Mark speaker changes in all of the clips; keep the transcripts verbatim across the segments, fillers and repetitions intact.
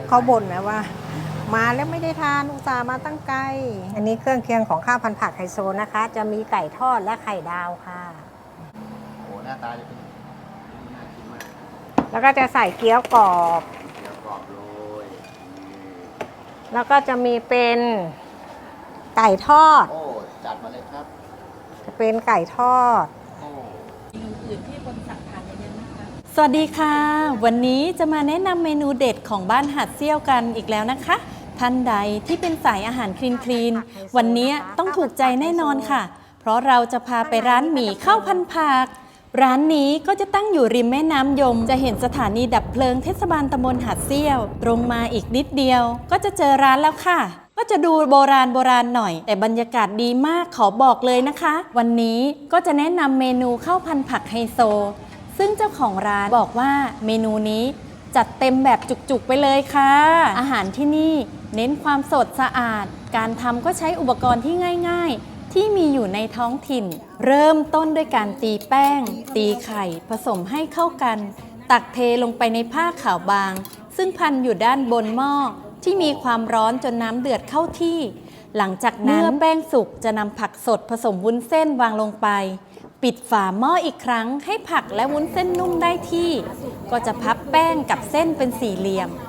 Speaker 1: เขาบ่นนะว่ามาแล้วไม่ได้ทานอุตส่าห์มาตั้งไกลอันนี้เครื่องเคียงของข้าวพันผักไฮโซนะคะ จะมีไก่ทอดและไข่ดาวค่ะ
Speaker 2: โอ้หน้าตาจะเป็นน่ากินมาก
Speaker 1: แล้วก็จะใส่เกี๊ยวกรอบ
Speaker 2: เกี๊ยวกรอบโรย
Speaker 1: แล้วก็จะมีเป็นไก่ทอด
Speaker 2: โอ้จัดมาเลยครับ
Speaker 1: จะเป็นไก่ทอด
Speaker 2: โอ้
Speaker 3: เมนูอื่นที่คนสั่งทานเยอะๆนะคะสวัสดีค่ะวันนี้จะมาแนะนำเมนูเด็ดของบ้านหัดเซี่ยวกันอีกแล้วนะคะท่านใดที่เป็นสายอาหารคลีนคลีนวันนี้ต้องถูกใจแน่นอนค่ะเพราะเราจะพาไปร้านหมี่ข้าวพันผักร้านนี้ก็จะตั้งอยู่ริมแม่น้ำยมจะเห็นสถานีดับเพลิงเทศบาลตำบลหาดเซี่ยวตรงมาอีกนิดเดียวก็จะเจอร้านแล้วค่ะก็จะดูโบราณโบราณหน่อยแต่บรรยากาศดีมากขอบอกเลยนะคะวันนี้ก็จะแนะนำเมนูข้าวพันผักไฮโซซึ่งเจ้าของร้านบอกว่าเมนูนี้จัดเต็มแบบจุกๆไปเลยค่ะอาหารที่นี่เน้นความสดสะอาดการทำก็ใช้อุปกรณ์ที่ง่ายๆที่มีอยู่ในท้องถิ่นเริ่มต้นด้วยการตีแป้งตีไข่ผสมให้เข้ากันตักเทลงไปในผ้าขาวบางซึ่งพันอยู่ด้านบนหม้อที่มีความร้อนจนน้ำเดือดเข้าที่หลังจากนั้นเมื่อแป้งสุกจะนำผักสดผสมวุ้นเส้นวางลงไปปิดฝาหม้ออีกครั้งให้ผักและวุ้นเส้นนุ่มได้ที่ก็จะพับแป้งกับเส้นเป็นสี่เหลี่ยม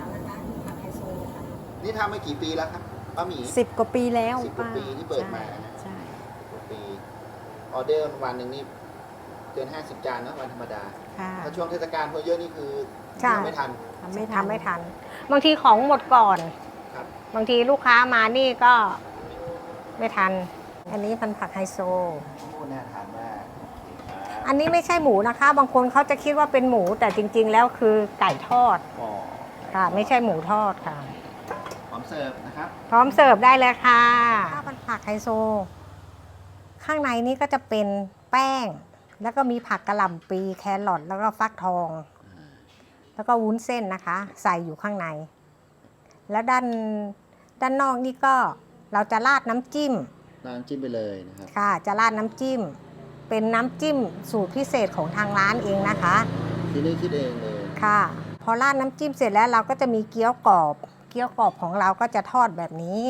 Speaker 2: นี่ทำมากี่ปีแล้วครับป้าหมี
Speaker 1: สิบกว่าปีแล้ว
Speaker 2: สิบกว่าปีที่เปิดมานะ
Speaker 1: ใช่
Speaker 2: สิบกว่าปีออเดอร์วันหนึ่งนี่เกินห้าสิบจานนะวันธรรมดาถ้าช่วงเทศกาลพอเยอะนี่คือทำไม่ทัน
Speaker 1: ทำไม่ทันไม่ทันบางทีของหมดก่อนบางทีลูกค้ามานี่ก็ไม่ทันอันนี้พันผักไฮโซ
Speaker 2: น่าทานมาก
Speaker 1: อันนี้ไม่ใช่หมูนะคะบางคนเขาจะคิดว่าเป็นหมูแต่จริงๆแล้วคือไก่ทอดค่ะไม่ใช่หมูทอดค่ะ
Speaker 2: พร้อมเสิร์ฟนะครับ
Speaker 1: พร้อมเสิร์ฟได้เลยค่ะข้าวพันผักไฮโซข้างในนี้ก็จะเป็นแป้งแล้วก็มีผักกะหล่ำปลีแครอทแล้วก็ฟักทองแล้วก็วุ้นเส้นนะคะใส่อยู่ข้างในแล้วด้านด้านนอกนี่ก็เราจะราดน้ำจิ้ม
Speaker 2: ราดน้ำจิ้มไปเลยนะครับ
Speaker 1: ค่ะจะราดน้ำจิ้มเป็นน้ำจิ้มสูตรพิเศษของทางร้านเองนะคะ
Speaker 2: ที่นี่คิดเองเลย
Speaker 1: ค่ะพอราดน้ำจิ้มเสร็จแล้วเราก็จะมีเกี๊ยวกรอบเกี๊ยวกรอบของเราก็จะทอดแบบนี้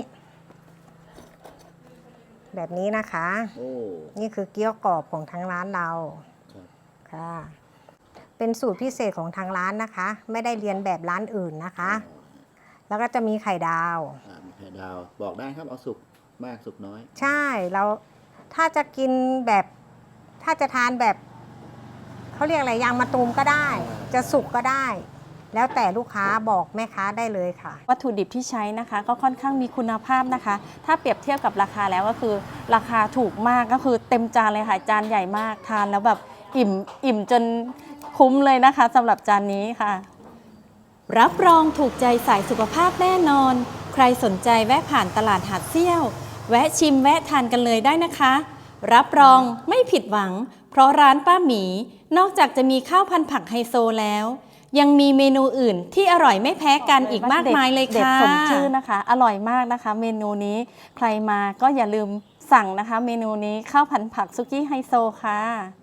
Speaker 1: แบบนี้นะคะ
Speaker 2: โอ้
Speaker 1: นี่คือเกี๊ยวกรอบของทางร้านเราค่ะเป็นสูตรพิเศษของทางร้านนะคะไม่ได้เรียนแบบร้านอื่นนะคะแล้วก็จะมีไข่ดาว
Speaker 2: มีไข่ดาวบอกได้ครับเอาสุกมากสุกน้อย
Speaker 1: ใช่เราถ้าจะกินแบบถ้าจะทานแบบเขาเรียกอะไรยางมะตูมก็ได้จะสุกก็ได้แล้วแต่ลูกค้าบอกแม่ค้าได้เลยค่ะ
Speaker 3: วัตถุดิบที่ใช้นะคะก็ค่อนข้างมีคุณภาพนะคะถ้าเปรียบเทียบกับราคาแล้วก็คือราคาถูกมากก็คือเต็มจานเลยค่ะจานใหญ่มากทานแล้วแบบอิ่มอิ่มจนคุ้มเลยนะคะสำหรับจานนี้ค่ะรับรองถูกใจสายสุขภาพแน่นอนใครสนใจแวะผ่านตลาดหาดเซี่ยวแวะชิมแวะทานกันเลยได้นะคะรับรองไม่ผิดหวังเพราะร้านป้าหมีนอกจากจะมีข้าวพันผักไฮโซแล้วยังมีเมนูอื่นที่อร่อยไม่แพ้กันอีกมากมายเลยค่ะเด็ดสมชื่อนะคะอร่อยมากนะคะเมนูนี้ใครมาก็อย่าลืมสั่งนะคะเมนูนี้ข้าวพันผักซุกี้ไฮโซค่ะ